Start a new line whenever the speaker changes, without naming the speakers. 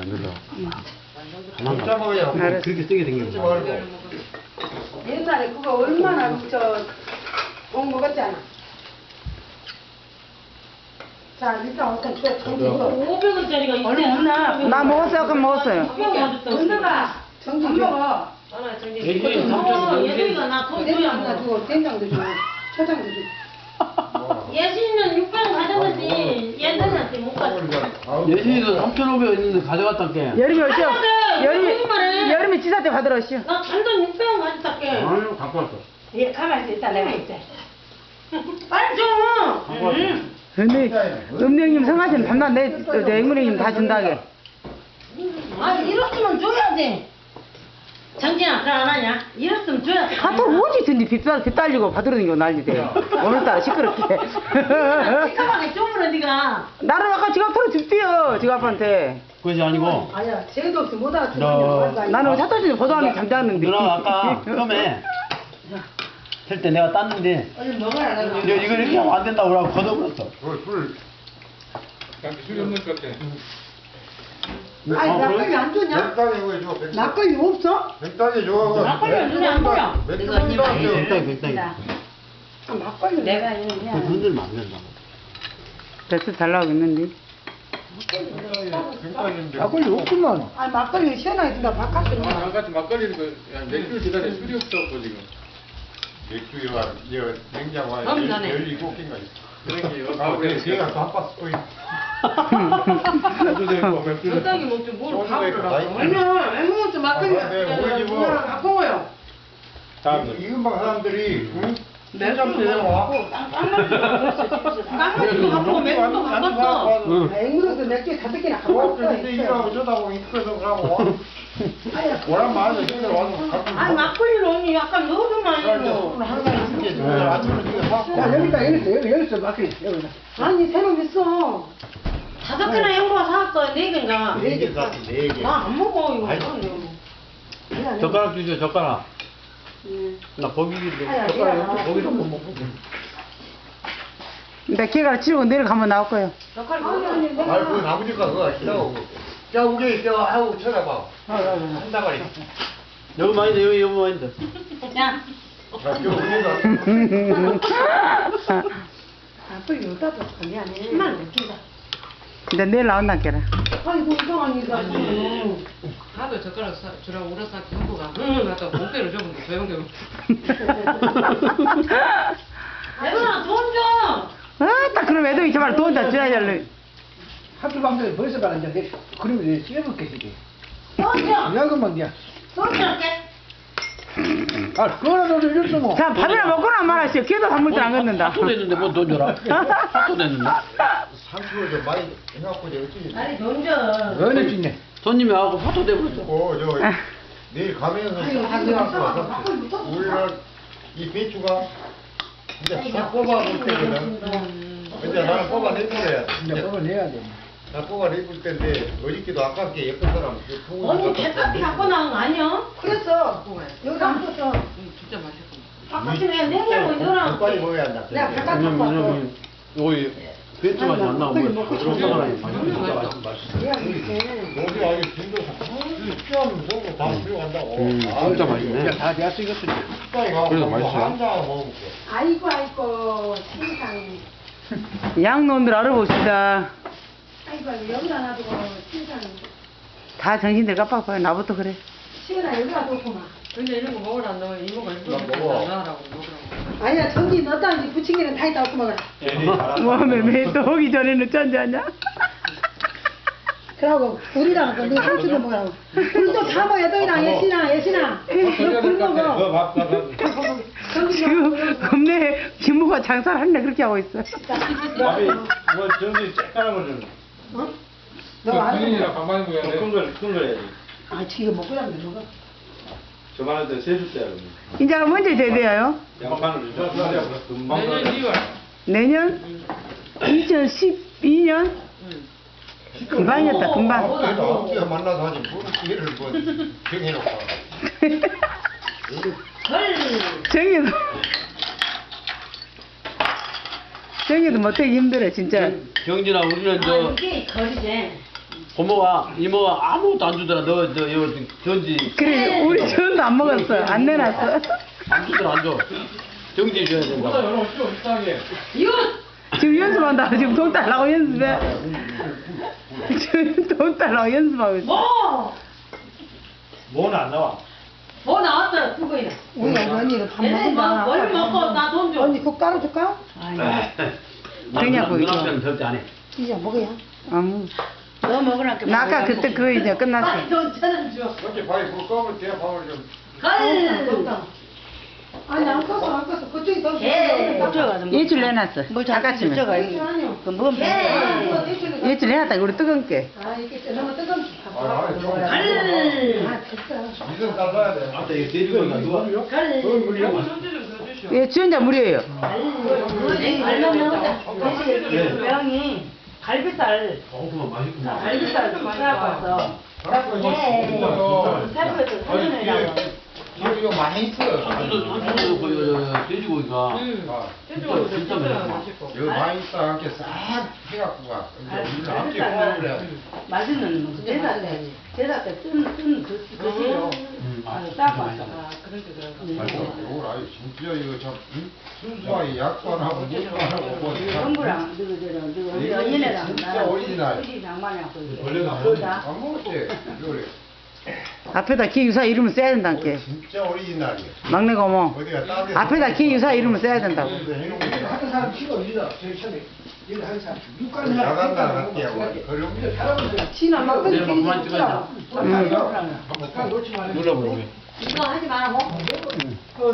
안 눌러.
진짜 먹어야
그렇게 세게 생겼어.
옛날에 그거 얼마나 꼭 먹었잖아. 자, 일단 어떤 또 정지 이거
500원짜리가 있대.
얼른 없나?
나 먹었어요. 그럼 먹었어요.
건너가 정지 안 먹어.
예전에 삼촌
예준이가 나돈
된장
줘야
하나
먹어.
주고 된장도 주고 초장도 주고.
예준이는 600원 가져가지. 예준이한테 못 가져.
예전에도 3,500원 있는데 가져갔단게.
여름이 오죠?
거짓말해.
여름이 지사 때 받으러 오시오.
나 잔돈 600원 가져갈게.
아유, 갖고 왔어.
얘 가만히 있다 내가 있자.
빨리 줘.
갖고 왔어.
근데 음령님 성하시는 밤낮 내 앵무령님 다 준다게.
아니 이렇으면 줘야지. 정진아 그걸 안 하냐? 이랬으면 줘야지.
카톡 오지 든지 빗 달리고 받으러 다니고 난리대. 오늘따라 시끄럽게.
시커멓게 쪼물어 니가.
나는 아까 지갑 털어줬대요. 지갑한테.
그것이 아니고,
아야 쟤도 없이 못 알아듣는
너-
나는 사토지 보도하는 잠자는데.
누나 아까 처음에 셀 때 내가 땄는데,
얼른 먹어라 내가.
이거 이렇게 하면 안 된다고 그러고 걷어버렸어.
술이 없는 것 같아.
아니 막걸리 안 주냐?
백단에 왜 줘?
막걸리 없어?
백단에 줘.
막걸리는 눈에 안 보여.
백당이.
아, 막걸리 내가 있는
그 흔들면 안 된다고.
됐어 잘 나오고 있는데.
백단인데.
막걸리 없구만.
아니 막걸리 시원하게 준다 바깥으로.
아까 막걸리는 맥주 기다려 술이 없어갖고 지금
맥주와 냉장고에
너무 잘해.
17개가 있어.
그런 게
아, 그래. 제가 다 봤어. 또 있어.
맥주도 있고 맥주도 있고
적당히 먹지 뭘 밥을 하라고.
아니야 애무것도 막걸리
아, 네, 우리 집은
누나랑 갖고 먹어요.
이금방 사람들이 응?
맥주
와.
깡맥도 갖고 맥주도 갖고.
응.
애무것도 맥주 5개나 갖고
와,
왔어.
근데 이거 어쩌다고 이끌어서 가고 오란 말을 집에 와서 갖고
아니 막걸리를 언니 약간 넣어주면 이거.
항상 이렇게 줘. 아침에 이거 사고.
야 여기 있어 막걸리 여기다. 아니 새로 있어.
5개나 행보가 사왔어. 4개인가.
4개 샀어, 4개.
나 안 먹어 이거.
젓가락 주죠, 젓가락. 나 고기인데, 젓가락 고기도 못 먹고.
나 걔가 치우고 내려가면 나올 거예요.
아니, 그 아버지가 그거 하시라고. 자, 우리 저 하고 쳐다봐. 한 다발이.
여기 많이 돼, 여기 많이 돼.
야.
자, 저 우리가.
막걸리 여기다 뒀어. 미안해.
10만 원 웃긴다.
근데 내일 나온다 걔라.
아이고 이상하니까.
하도 젓가락 주라고 울어서 경부가 갖다 목대로 접은데 조용조용
얘들아 돈 줘.
아딱 그럼 애들이 정말 돈 다 줘야 될.
학교 방송에 벌써 가는데 그러면 내 씹을게
돈 줘.
야금만 야.
돈 줄게.
아 그거라도 이랬어 뭐.
자 밥이나 먹거나 말하시오. 걔도 단물들 안 걷는다.
사토 됐는데 뭐 돈 줘라. 사토 됐는데.
상추를 좀 많이 해갖고 이제 어찌.
아니 돈 줘.
연애 찍네.
손님이 와갖고 사토 돼버렸어.
저 내일 가면서 가져와서 우리는 이 배추가 이제 다 뽑아볼 때거든. 근데 나는 뽑아냈는데
이제 그거 내야 돼.
나 뽑아냈을 때인데 어저께도 아깝게 예쁜 사람 그 통을
언니
갖다
대가리
줬는데
갖고 나온 거 아니야?
그랬어. 여기다 안 뒀어.
진짜 맛있구나
바깥에 내가 냉장고에 넣어놔.
빨리 먹어야 한다.
내가 바깥 갖고 왔어.
여기 배추 맛이 안 나고 뭐 그런 거랑
내가 이렇게.
여기 아주 진도 시험 보고 다 필요한다고.
진짜 맛있네.
다 내가 쓰겠어.
빨리 가고
그래도 맛있어요.
한잔 먹어볼게.
아이고 세상에.
양놈들 알아봅시다.
아이고 여기다 놔두고 세상에.
다 정신들 깜빡거려. 나부터 그래.
시원하 여기다 뒀구만.
근데 이런 거 먹으라 안 넣어 이모가 일부러
나
그렇게
먹어.
안 나가라고 먹으라고
아니야 전기 넣었다 이제 부침개는 다 있다 없고 먹어라.
뭐매매 또 오기 전에는 쩐자냐?
그러고 우리랑 네 상추도 먹으라고. 불도 다 먹어야 너희랑 예신아 너불 먹어. 전기
지금 겁내 김모가 장사를 한다 그렇게 하고 있어.
밥이 뭐 저기 쬐까는 거 좀.
어? 너 안 먹어?
군인이랑 반반히 먹어야 돼.
큰 거 해야지.
아 지금 먹고 나면 먹어.
저만한테 세줄 때야 그러면.
인자가 언제 제대해요?
양반을 금방.
내년 2월
내년? 2012년? 금방이었다 금방.
어떻게 만나서 하지 뭘 기회를 뭐 정해놓고.
정이도 정이도 못하기 힘들어 진짜.
경진아, 우리는
아
저
이게 거리지.
고모가 이모가 아무것도 안 주더라. 너 전지
그래 우리 전도 안 먹었어. 안 내놨어.
안 주더라 안 줘. 정지 줘야 된다.
여러분 좀 이상하게.
이거
지금 연습한다. 지금 돈 달라고 연습해. 지금 돈 달라고 연습하고 있어.
뭐는 안 나와.
뭐 나왔어 그거야.
우리 언니는 밥
얘네
먹는다.
뭘 먹고 나 돈 줘.
언니 그거 깔아줄까?
그냥
누나는 절대 안 해.
이제 먹어야.
너 먹으라니까.
나 아까 그때 그거 이제 끝났어.
빨리 돈 1,000원 줘.
어째 밥이 뭐 껌을 대 밥을 좀.
갈.
아니 안 껐어 안 껐어. 그쪽이 더.
개.
예줄 내놨어. 아까쯤에.
그뭔
예줄 내놨다. 우리 뜨거운 게.
아 이게 너무 뜨겁지.
아니 좀.
갈.
아 진짜.
이건 따라야 돼.
아따 이거 돼지고기가 누가?
갈.
손질 좀 해주시오.
예, 주연자 무료예요.
고양이 갈비살
그만 맛있구만.
갈비살 사갖고 왔어. 살코에서 사전이라고.
이거 많이 있어.
한쪽도 그 돼지고기가
돼지고기
진짜
진짜
맛있어.
맛있고.
여기 많이 있어. 함께 싹 해갖고 가. 이제 우리 함께 포함을 해.
맛있는 제사 때뜬 그시로 싸고 왔어.
아 그런데
이걸 아유 진짜 이거 참 순수하게 약도 안 하고 물도 안 하고 뭐
형부랑 누구
이거
연인애랑
진짜 오리지널.
우리 장만이하고
원래는 안
안 먹었지. 이거를
앞에다 기유사 이름을 써야 된다니까.
진짜 오리지널이야.
막내 고모.
어디가 따로
앞에다 기유사 이름을 써야 된다고.
해놓은 거
하는 사람 치고 일이다. 제일 처음에 일 하는 사람 육가는 사람
야간다 놨대요. 그럼
지나 막걸리
내일 막 그만 찍어야
끓이지.
한번
놓지 말아요.
눌러보게.
이거 하지 말라고